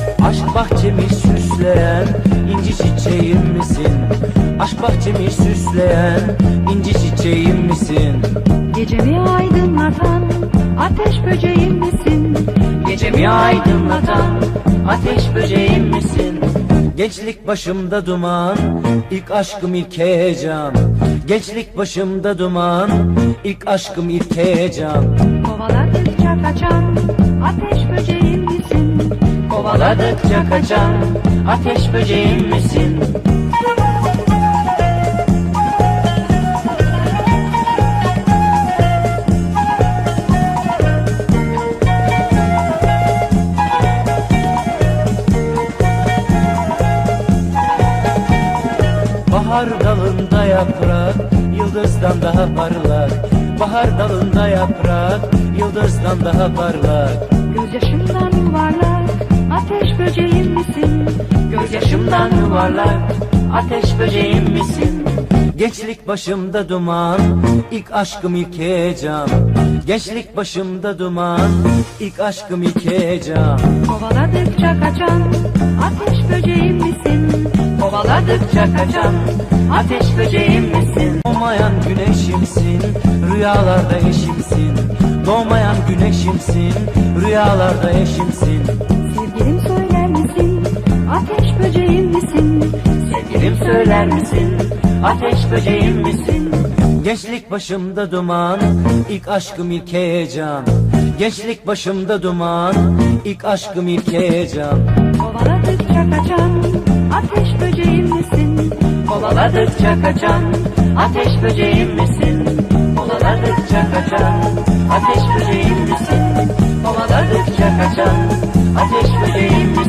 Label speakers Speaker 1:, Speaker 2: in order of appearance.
Speaker 1: Aşk bahçemi süsleyen inci çiçeğim misin? Aşk bahçemi süsleyen inci çiçeğim misin?
Speaker 2: Gecemi aydınlatan ateş böceğim misin?
Speaker 1: Gecemi aydınlatan ateş böceğim misin? Gençlik başımda duman, ilk aşkım ilk heyecan. Gençlik başımda duman, ilk aşkım ilk heyecan.
Speaker 2: Kovaladıkça kaçan ateş böceğim misin?
Speaker 1: Kovaladıkça kaçan ateş böceğim misin? Bahar dalında yaprak, yıldızdan daha parlak. Bahar dalında yaprak, yıldızdan daha parlak.
Speaker 2: Gözyaşımdan yuvarlak ateş böceğim misin?
Speaker 1: Gözyaşımdan yuvarlak, ateş böceğim misin? Gençlik başımda duman, ilk aşkım ilk heyecan. Gençlik başımda duman, ilk aşkım ilk heyecan.
Speaker 2: Kovaladıkça kaçan ateş böceğim misin?
Speaker 1: Kovaladıkça kaçan ateş böceğim misin? Doğmayan güneşimsin, rüyalarda eşimsin. Doğmayan güneşimsin, rüyalarda eşimsin.
Speaker 2: Sevgilim söyler misin? Ateş böceğim misin?
Speaker 1: Sevgilim söyler misin? Ateş böceğim misin? Gençlik başımda duman, ilk aşkım ilk heyecan. Gençlik başımda duman, ilk aşkım ilk heyecan.
Speaker 2: Kovaladıkça kaçan ateş böceğim misin?
Speaker 1: Kovaladıkça kaçan ateş böceğim misin? Kovaladıkça kaçan ateş böceğim misin? Kovaladıkça kaçan ateş böceğim misin?